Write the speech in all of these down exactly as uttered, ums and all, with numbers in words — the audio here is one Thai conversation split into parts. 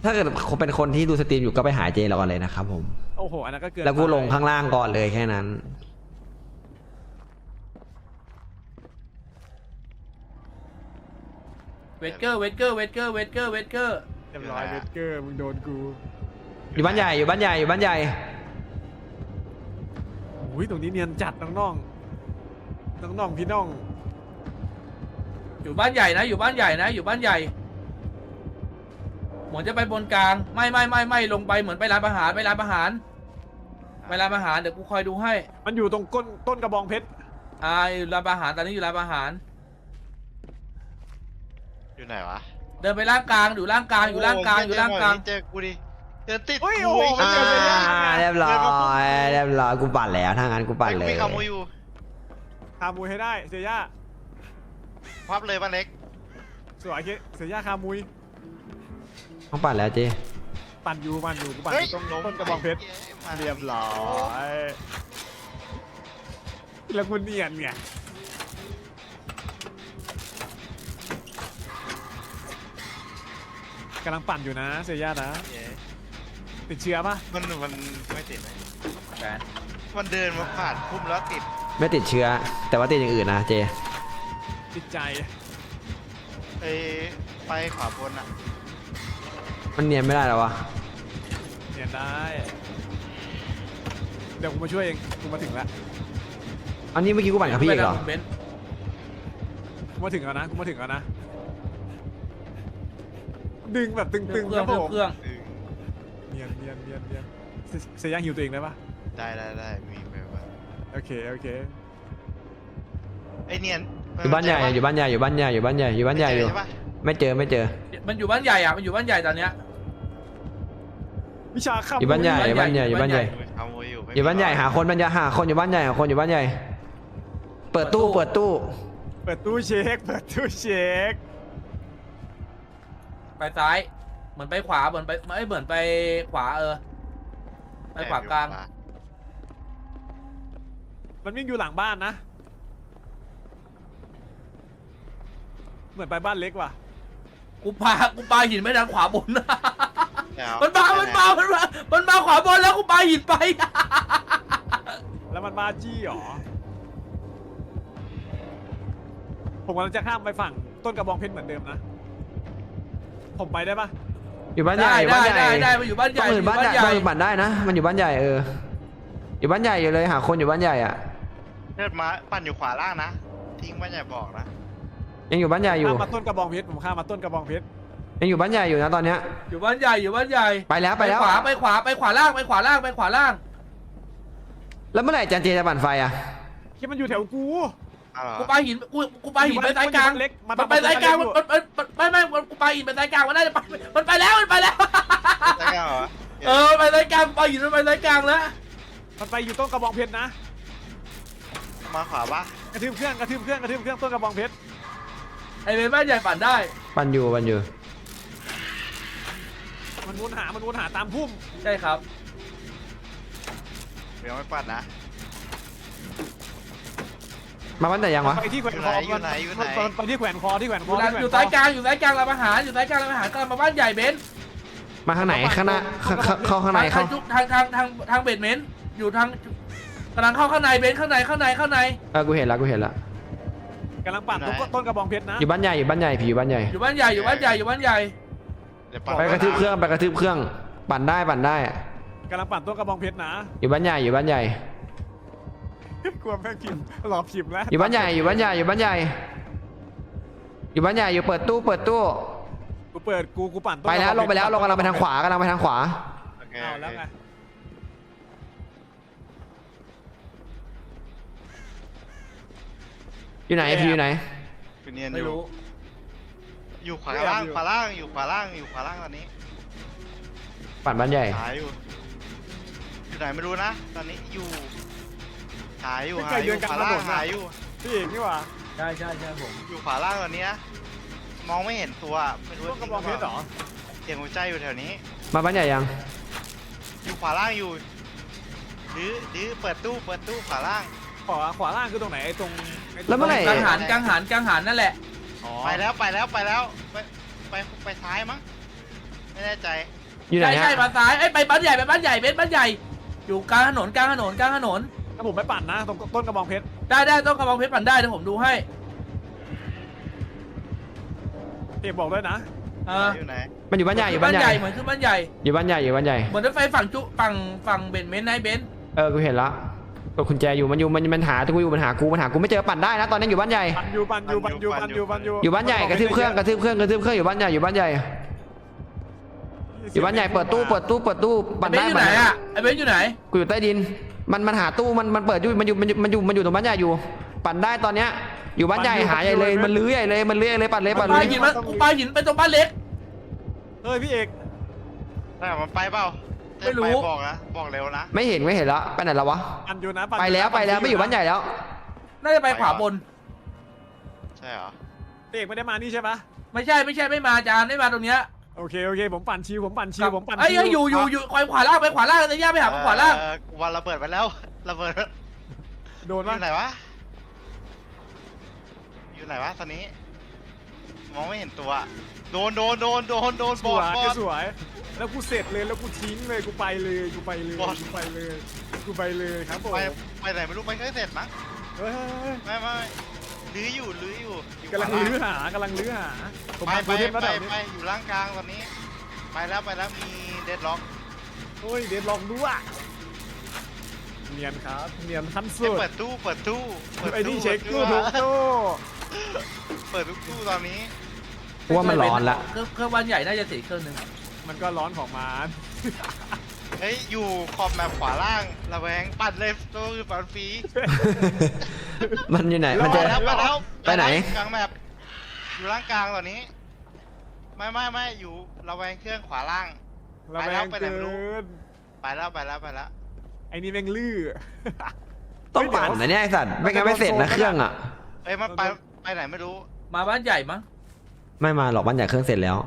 ถ้าเกิดเป็นคนที่ดูสตรีมอยู่ก็ไปหาเจเราก่อนเลยนะครับผมโอ้โหอันนั้นก็เกินแล้วกูลงข้างล่างก่อนเลยแค่นั้นเวทเกอร์เวทเกอร์เวทเกอร์เวทเกอร์เวทเกอร์เรียบร้อยเวทเกอร์มึงโดนกูอยู่บ้านใหญ่อยู่บ้านใหญ่อยู่บ้านใหญ่โอ้ยตรงนี้เนียนจัดน้องน้องน้องน้องพี่น้องอยู่บ้านใหญ่นะอยู่บ้านใหญ่นะอยู่บ้านใหญ่เหมือนจะไปบนกลางไม่ไม่ไม่ไม่ลงไปเหมือนไปร้านอาหารไปร้านอาหารไปร้านอาหารเดี๋ยวกูคอยดูให้มันอยู่ตรงก้นต้นกระบองเพชรอ่าอยู่ร้านอาหารตอนนี้อยู่ร้านอาหารอยู่ไหนวะเดินไปล่างกลางอยู่ล่างกลางอยู่ล่างกลางอยู่ล่างกลางเจอกูดิเดินติดโอ้ยโอ้โหอ่าเรียบร้อยเรียบร้อยกูปั่นแล้วถ้างั้นกูปั่นเลยมีขโมยอยู่คามุยให้ได้เซีย่าพับเลยป้าเล็กสวยเซีย่าคามุยต้องปั่นแล้วเจปั่นอยู่ปั่นอยู่กูปั่นอยู่ตรงต้นกระบองเพชรเรียบร้อยแล้วกูเนียนไงกำลังปั่นอยู่นะเซีย่านะติดเชื้อปะมันมันไม่ติดไหมแบนมันเดินมาผ่านพุ่มแล้วติดไม่ติดเชื้อแต่ว่าติดอย่างอื่นนะเจติดใจไปไปขวาบนอ่ะมันเนียนไม่ได้หรอวะเนียนได้เดี๋ยวกูมาช่วยเองกูมาถึงแล้วอันนี้เมื่อกี้กูปั่นกับพี่เองเหรอกูมาถึงแล้วนะกูมาถึงแล้วนะดึงแบบตึงๆครับผมเครื่องเนียนเนียนเนียนเนียนเซย่าฮิวตัวเองได้ปะได้ได้ได้มีไปว่าโอเคโอเคไอเนียนอยู่บ้านใหญ่อยู่บ้านใหญ่อยู่บ้านใหญ่อยู่บ้านใหญ่อยู่บ้านใหญ่อยู่ไม่เจอไม่เจอมันอยู่บ้านใหญ่อ่ะมันอยู่บ้านใหญ่ตอนเนี้ยวิชาข้ามอยู่บ้านใหญ่อยู่บ้านใหญ่อยู่บ้านใหญ่อยู่บ้านใหญ่หาคนบ้านใหญ่หาคนอยู่บ้านใหญ่หาคนอยู่บ้านใหญ่เปิดตู้เปิดตู้เปิดตู้เช็คเปิดตู้เช็คไปซ้ายเหมือนไปขวาเหมือนไปไม่เหมือนไปขวาเออไปขวากลางมันวิ่งอยู่หลังบ้านนะเหมือนไปบ้านเล็กว่ะกูปากูปาหินไปทางขวาบนมันมามันมามันมามันมาขวาบนแล้วกูปาหินไปแล้วมันมาจี้หรอผมกำลังจะข้ามไปฝั่งต้นกระบองเพชรเหมือนเดิมนะผมไปได้ปะอยู่บ้านใหญ่ได้ได้ได้มันอยู่บ้านใหญ่อยู่บ้านใหญ่มันปั่นได้นะมันอยู่บ้านใหญ่เอออยู่บ้านใหญ่อยู่เลยหาคนอยู่บ้านใหญ่อ่ะเลือดมาปั่นอยู่ขวาล่างนะทิ้งบ้านใหญ่บอกนะยังอยู่บ้านใหญ่อยู่ข้ามมาต้นกระบองเพชรผมข้ามมาต้นกระบองเพชรยังอยู่บ้านใหญ่อยู่นะตอนเนี้ยอยู่บ้านใหญ่อยู่บ้านใหญ่ไปแล้วไปแล้วขวาไปขวาไปขวาล่างไปขวาล่างไปขวาล่างแล้วเมื่อไหร่จันเจจะปั่นไฟอ่ะที่มันอยู่แถวกูกูปาหินกูกูปาหินไปสายกลางมันไปสายกลางมันไม่ไม่กูปาหินไปสายกลางมันน่าจะไปมันไปแล้วมันไปแล้วเออไปสายกลางปาหินมันไปสายกลางแล้วมันไปอยู่ต้นกระบองเพชรนะมาขวาปะกระทืบเครื่องกระทืบเครื่องกระทืบเครื่องต้นกระบองเพชรไอเบนบ้านใหญ่ปั่นได้ปั่นอยู่ปั่นอยู่มันวนหามันวนหาตามพุ่มใช่ครับเดี๋ยวไม่ปั่นนะมาบ้านไหนยังวะไปที่แขวนคออยู่ไหนอยู่ไหนไปที่แขวนคอที่แขวนคออยู่สายกลางอยู่สายกลางร้านอาหารอยู่สายกลางร้านอาหารกำลังมาบ้านใหญ่เบนมาข้างไหนข้างหน้าเข้าข้างในเข้าทางทางทางทางเบดเมนต์อยู่ทางกำลังเข้าข้างในเบนข้างในข้างในข้างในเออกูเห็นแล้วกูเห็นแล้วกำลังปั่นต้นกระบองเพชรนะอยู่บ้านใหญ่อยู่บ้านใหญ่ผีอยู่บ้านใหญ่อยู่บ้านใหญ่อยู่บ้านใหญ่อยู่บ้านใหญ่ไปกระทืบเครื่องไปกระทืบเครื่องปั่นได้ปั่นได้กำลังปั่นต้นกระบองเพชรนะอยู่บ้านใหญ่อยู่บ้านใหญ่กลัวแม่งพิมพ์หลอกพิมพ์แล้วอยู่บ้านใหญ่อยู่บ้านใหญ่อยู่บ้านใหญ่อยู่บ้านใหญ่อยู่เปิดตู้เปิดตู้กูเปิดกูกูปั่นไปแล้วลงไปแล้วลงกำลังไปทางขวากำลังไปทางขวาเอาแล้วไงอยู่ไหนพี่อยู่ไหนไม่รู้อยู่ขวาล่างขวาล่างอยู่ขวาล่างอยู่ขวาล่างตอนนี้ปั่นบ้านใหญ่หายอยู่อยู่ไหนไม่รู้นะตอนนี้อยู่หายอยู่หายอยู่ขวาล่างหายอยู่พี่เอกนี่หว่าใช่ใช่ใช่ผมอยู่ขวาล่างตอนนี้มองไม่เห็นตัวไม่รู้ต้นกระบองเพชรหรอเสียงหัวใจอยู่แถวนี้มาบ้านใหญ่ยังอยู่ขวาล่างอยู่ดื้อดื้อเปิดตู้เปิดตู้ขวาล่างขวาขวาล่างคือตรงไหนไอ้ตรงแล้วเมื่อไหร่กังหันกังหันกังหันนั่นแหละไปแล้วไปแล้วไปแล้วไปไปไปซ้ายมั้งไม่แน่ใจอยู่ไหนใช่ใช่ฮะมาซ้ายไอ้ยไปบ้านใหญ่ไปบ้านใหญ่เบนซ์บ้านใหญ่อยู่กลางถนนกลางถนนกลางถนนถ้าผมไม่ปั่นนะตรงต้นกระบองเพชรได้ได้ต้องกระบองเพชรปั่นได้เดี๋ยวผมดูให้เอกบอกด้วยนะเอออยู่ไหนมันอยู่บ้านใหญ่อยู่บ้าบ้าน นใหใหญ่ญ่เหมือนขึ้นบ้านใหญ่อยู่บ้านใหญ่อยู่บ้านใหญ่เหมือนรถไฟฝั่งจุฝั่งฝั่งเบนซ์เมนต์นายเบนซ์เออกูเห็นละกดกุญแจอยู่มันอยู่มันมันหากูอยู่มันหากูมันหากูไม่เจอปั่นได้นะตอนนี้อยู่บ้านใหญ่ปั่นอยู่ปั่นอยู่ปั่นอยู่ปั่นอยู่ปั่นอยู่อยู่บ้านใหญ่กระทืบเครื่องกระทืบเครื่องกระทืบเครื่องอยู่บ้านใหญ่อยู่บ้านใหญ่อยู่บ้านใหญ่เปิดตู้เปิดตู้เปิดตู้ไอ้ปั่นเบนได้ซ์อยู่ปั่นไหนได้อะไอ้เบนซ์อยู่ไหนกูอยู่ใต้ดินมันมันหาตู้มันมันเปิดอยู่มันอยู่มันอยู่มันอยู่มันอยู่ตรงบ้านใหญ่อยู่ ปั่นได้ตอนเนี้ยอยู่บ้านใหญ่หาใหญ่เลยมันลื้อใหญ่เลยมันลื้อใหญ่เลยปั่นเลยปั่นปเลลาย หินมันปลาหินไปตรงบ้านเล็กเฮ้ยพี่เอกแต่มันไปเปล่าไม่รู้บอกนะบอกเร็วนะไม่เห็นไม่เห็นแล้วไปไหนแล้ววะปั่นอยู่นะปั่นไปแล้วไปแล้วไม่อยู่บ้านใหญ่แล้วน่าจะไปขวาบนใช่เหรอพี่เอกไม่ได้มานี่ใช่ปะไม่ใช่ไม่ใช่ไม่มาจานไม่มาตรงเนี้ยโอเคโอเคผมปั่นชิวผมปั่นชิวผมปั่นไอ้ยชิวเอ้ยอยู่อยู่อยู่คอยขวาล่างไปขวาล่างแต่ย่าไปหาขวาล่างเออวันระเบิดไปแล้วระเบิดโดนอปะยู่ไหนวะอยู่ไหนวะตอนนี้ มองไม่เห็นตัว โดนโดนโดนโดนโดนสบอวดยบอดสวยแล้วกูเสร็จเลยแล้วกูทิ้งเลยกูไปเลยกูไปเลยบอสกูไปเลยกูไปเลยครับผมไปไปไหนไม่รู้ไปเคยเสร็จมั้งเฮ้ยเฮ้ยเฮ้ยไม่ไม่ลื้ออยู่ลื้ออยู่อยู่กำลังขวาลื้อหากำลังลื้อหาผมไปมาไปโปรเทมไปแล้วไปเดี๋ยวนี้อยู่ล่างกลางตอนนี้ ไปแล้วไปแล้วมีเดดล็อกโอ้ยเดดลองดูอ่ะเนียนครับเนียนขั้นสุดเปิดตู้เปิดตู้เปิดไอ้นี่ตู้เช็คตู้ปิทุดกตู้เปิดทุกตู้ตอนนี้กูว่ามันร้อนละเครื่องเครื่องบ้านใหญ่น่าจะเสียเครื่องหนึงมันก็ร้อนของมันเฮ้ยอยู่ขอบแมปขวาล่างระแวงปัดเลยตู้คือปัดฟรีมันอยู่ไหนมันไปจะแล้วไปแล้วไปไหนกลางแมปอยู่ล่างกลางตอนนี้ ไม่ไม่ไม่อยู่ระแวงเครื่องขวาล่างระแวงไปแล้วไปไหนเกิไม่รู้นไปแล้วไปแล้วไปแล้วไอ้นี่แม่งลื้อต้องปั่นนะเนี่ยไอสัตว์ไม่งั้นไม่เสร็จนะเครื่องอ่ะเอ้ยมันไปไปไหนไม่รู้มาบ้านใหญ่มั้งไม่มาหรอกบ้านใหญ่เครื่องเสร็จแล้ว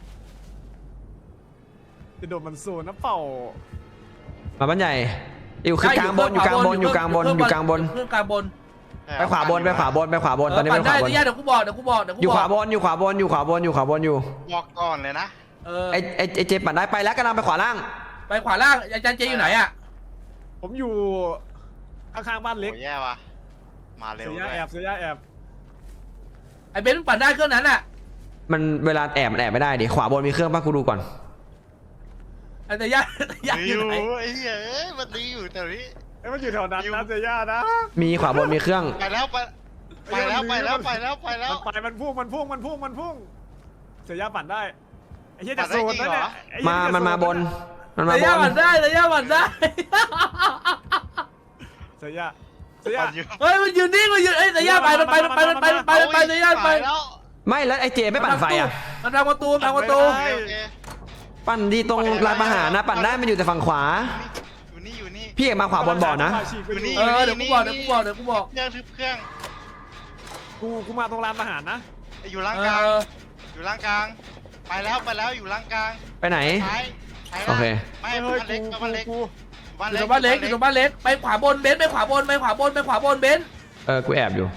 จะโดนมันโซนนะเปล่ามาบ้านใหญ่อยู่คือกลางบนอยู่กลางบนอยู่กลางบนอยู่กลางบนเครื่องกลางบนไปขวาบนไปขวาบนไปขวาบนตอนนี้เอไปอขปั่วาน บได้นแต่ย่าเดี๋ยวกูบอกเดี๋ยวกูบอกเดี๋ยวกูอยู่บขอกวาบนอยู่ขวาบนอยู่ขวาบนอยู่ขวาบนอยู่บอกก่อนเลยนะเออไอไอไอเจปั่นได้ไปแล้วกำลังไปขวาล่างไปขวาล่างอาจารย์เจอยู่ไหนอะผมอยู่ข้างๆบ้านเล็กโอ้แย่ว่ะมาเร็เสีวยยาด้วยแอบเสียาแอบไอ้เบนซ์ปั่นได้เครื่องนั้นอะมันเวลาแอบมันแอบไม่ได้ดิขวาบนมีเครื่องป่ะกูดูก่อนไอ้แต่ย่าแต่ย่าดีออยู่ ยู่ไหนไอ้เหี้ยเอ้ยมันดีอยู่แต่นี้ไอ้ยมันอยู่แถวนั้นอยู่นะเสียานะมีขวาบนมีเครื่องไปแล้วไปไปแล้วไปแล้วไปแล้วไปแล้วมันไปมันพุ่งมันพุ่งมันพุ่งมันพุ่งเสียาปั่นได้ไอ้เหี้ยปั่จะนได้โซนจรินั่งนเหรแหอละไอ้เหี้มายจะมันมาบน มันมาแต่บย่าน ปั่นได้แต่ย่าปั่นได้เสียาเสียาปั่นอยู่เฮ้ยมันยืนนิ่งมันยืนเอ้ยแต่ย่าไปมันไปมันไปมันไปมันไปมันไปแต่ย่าไปแล้วไม่แล้วไอเจไม่ปั่นไฟอ่ะมันทำประตูมันทำประตูโอเคโอเคปั่นดีตรงร้านอาหารนะปั่นได้มันอยู่แต่ฝั่งขวาอยู่นี่อยู่นี่พี่เอกมาขวาบนบ่อนะอยู่นี่เออเดี๋ยวกูบอกเดี๋ยวกูบอกเดี๋ยวกูบอกเครื่องทึบเครื่องกูกูมาตรงร้านอาหารนะอยู่ล่างเอกลางออยู่ล่างกลาง ไปแล้วไปแล้วอยู่ล่างกลางไปไหนซ้ายซ้ายโอเคไม่เฮ้ยบ้านเล็กกูบ้านเล็กกูบ้านอยู่เล็ตกรงบ้านเล็กอยู่ตรงบ้านเล็กไปขวาบนเบนซ์ไปขวาบนไปขวาบนไปขวาบนเบนซ์เออกูแอบอยู่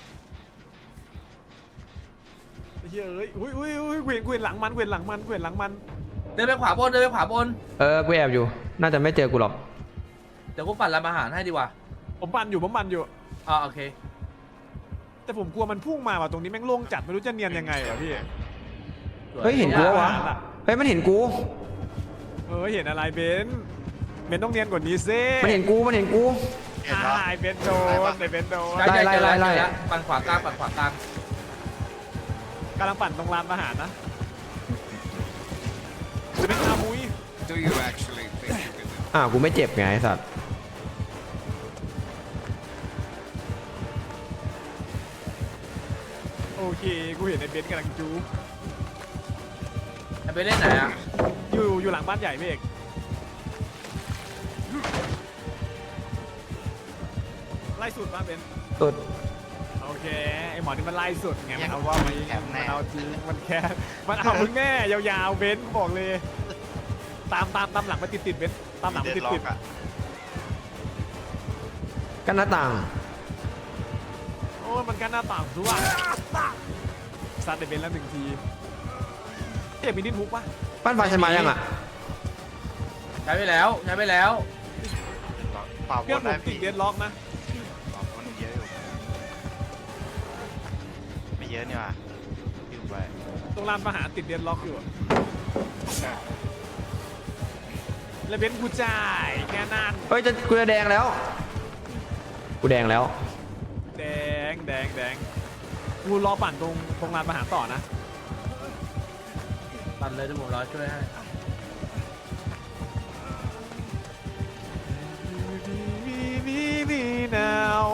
ไอ้เหี้ยเอ้ยอุ้ยอุ้ยอุ้ยเกวียนเกวียนหลังมันเกวียนหลังมันเกวียนหลังมันเดินไปขวาบนเดินไปขวาบนเออกูแอบอยู่ น่าจะไม่เจอกูหรอกเดี๋ยวกูปั่นร้านอาหารให้ดีกว่าผมปั่นอยู่ผมปั่นอยู่อ่าโอเคแต่ผมกลัวมันพุ่งมาว่ะตรงนี้แม่งโล่งจัดไม่รู้จะเนียนยังไงวะพี่เฮ้ยเห็นกูวะเฮ้ยมันเห็นกูเออเห็นอะไรเบนซ์เบนซ์ต้องเนียนกว่านี้ซิมันเห็นกูมันเห็นกูเห็นอ่าเหรอไอ้เบนซ์โดนไอ้เบนซ์โดนใช่ใช่ไล่ใช่ไล่ไล่ใช่ปั่นขวากลางปั่นขวากลางกำลังปั่นตรงร้านอาหารนะจะเป็นอามุย Do you actually think you can do อ้าวกูไม่เจ็บไงไอ้สัตว์โอเคกูเห็นไอ้เบนซ์กำลังจูไอ้เบนซ์เล่นไหนอ่ะอยู่อยู่หลังบ้านใหญ่พี่เอกไล่สุดป่ะเบนซ์สุดโอเคไอหมอนี่มันไล่สุดไงมันเอาว่ามันแถมแน่มันเอาจริงมันแค่มันเอามึงแน่ยาวๆเบนซ์บอกเลย ตามตามตามหลังมาติดติดๆเบนซ์ตามหลังเดมาดติดล็อติดกอะกันหน้าต่างโอ้ยมันกันหน้าต่างด้วยซัดไอเบนซ์แล้วหนึ่งทีไอยากมีดิ้นฮุกปะบ้านไฟฉันมายังอ่ะใช้ไปแล้วใช้ไปแล้วเปล่าบเพื่อนนผได้มติพี่ดเดดล็อกนะเปล่าบนเยอะอยู่ไม่เยอะนี่หว่าอยู่ไปตรงลานประหารติดเดดล็อกอยู่อะแล้วเบนซ์กูจ่ายแค่นั้นเฮ้ยจะกูจะแดงแล้ว กูแดงแล้วแดงแดงแดงกูรอปั่นตรงตรงลานประหารต่อนะปั่นเลยที่ผมรอช่วยให้มีมีมีมีนาว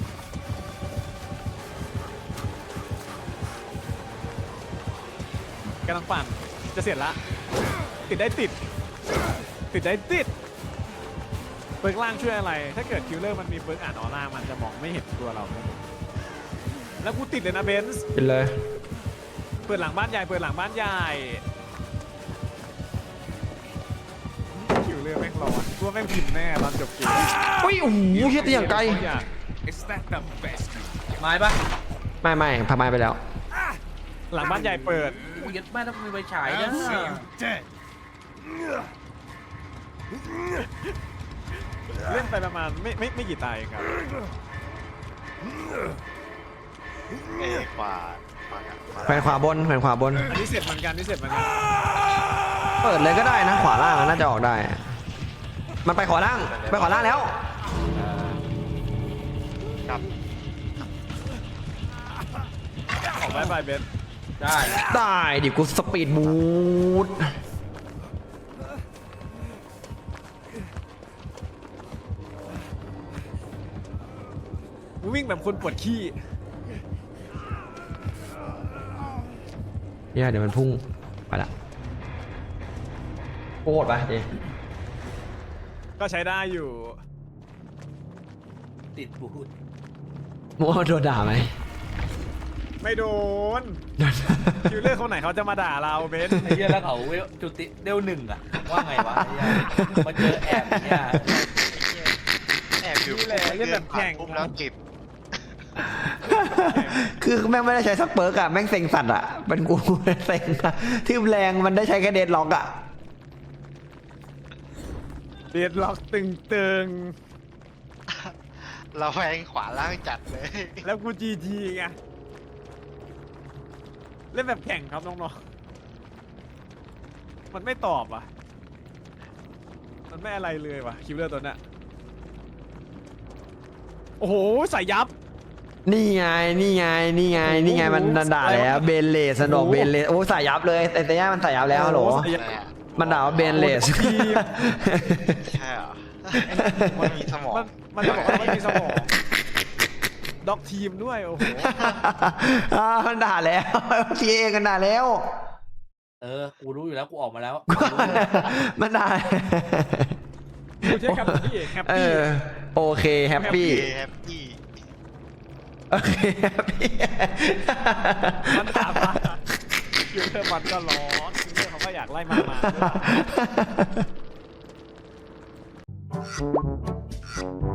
กำลังปั่นจะเสร็จละติดได้ติด ติดได้ติดเปิร์กล่างช่วยอะไร ถ้าเกิดคิวเลอร์มันมีเปิร์กอ่านออร่ามันจะมองไม่เห็นตัวเรา แล้วกูติดเลยนะเบนซ์เป็นเลยเปิดหลังบ้านใหญ่เปิดหลังบ้านใหญ่คิวเลอร์แม่งร้อนกูว่าแม่งพิมพ์แน่ตอนจบเกมอุ้ยโอ้โหเฮียตีอย่างไกล Is that the best you ไม้ปะไม่ไม่พาไม้ไปแล้วหลังบ้านใหญ่เปิดกูยัดแม่ต้องมีไฟฉายนะ I'll see you dead. เล่นไปประมาณไม่ไม่ไม่กี่ตายเองครับเอ้ยขวาขวากันขวาแขวนขวาบนแขวนขวาบนอันนี้เสร็จเหมือนกันนี่เสร็จเหมือนกันเปิดเลยก็ได้นะ ขวาล่างอะน่าจะออกได้ มันไปขวาล่าง ไปขวาล่างแล้วกลับออกไปไปเบนซ์ได้ได้ดิกูสปีดบูทกูวิ่งแบบคนปวดขี้เนี่ยเดี๋ยวมันพุ่ง ไปละโคตรไปเจก็ใช้ได้อยู่ติดบูทมัวโดนด่าไหมไม่โดนคิวเลอร์คนไหนเขาจะมาด่าเราเบนซ์ไอ้เหี้ยแล้วเขาเวลจุติเดวหนึ่งอะว่าไงวะไอ้เหี้ยมาเจอแอบเนี่ยแอบอยู่นี่แหละเล่นแบบแข่งปุ๊บแล้วเก็บคือแม่งไม่ได้ใช้สักเปิร์กอะแม่งเซ็งสัตว์อะเป็นกูเซ็งอะที่แรงมันได้ใช้แค่เดดล็อกอะเดดล็อกตึงตึงเราแพงขวาล่างจัดเลยๆแล้วกูจีจีไงเล่นแบบแข่งครับน้องๆมันไม่ตอบอ่ะมันไม่อะไรเลยว่ะคิวเลอร์ตัวเนี้ยโอ้โหใส่ยับนี่ไง นี่ไง นี่ไง นี่ไง มันด่าแล้ว เบนเลสสนอกเบนเลส โอ้สายยับเลย แต่แต่ย่ามันสายยับแล้วฮัลโหลโอ้ใส่ยับอะไรอะมันด่าว่าเบนเลสใช่เหรอมันมีสมองมันมันจะบอกว่าไม่มีสมองด็อกทีมด้วยโอ้โหอ่ามันด่าแล้วทีเอกันด่าแล้วเออกูรู้อยู่แล้วกูออกมาแล้วมันด่ากูใช้คำที่แฮปเอปี้อ โอเคแฮปปี้แฮปปี้โอเคแฮปปี้มันถามว่าคิวเลอร์มันก็ร้อนคิวเลอร์เขาก็อยากไล่มามาด้วย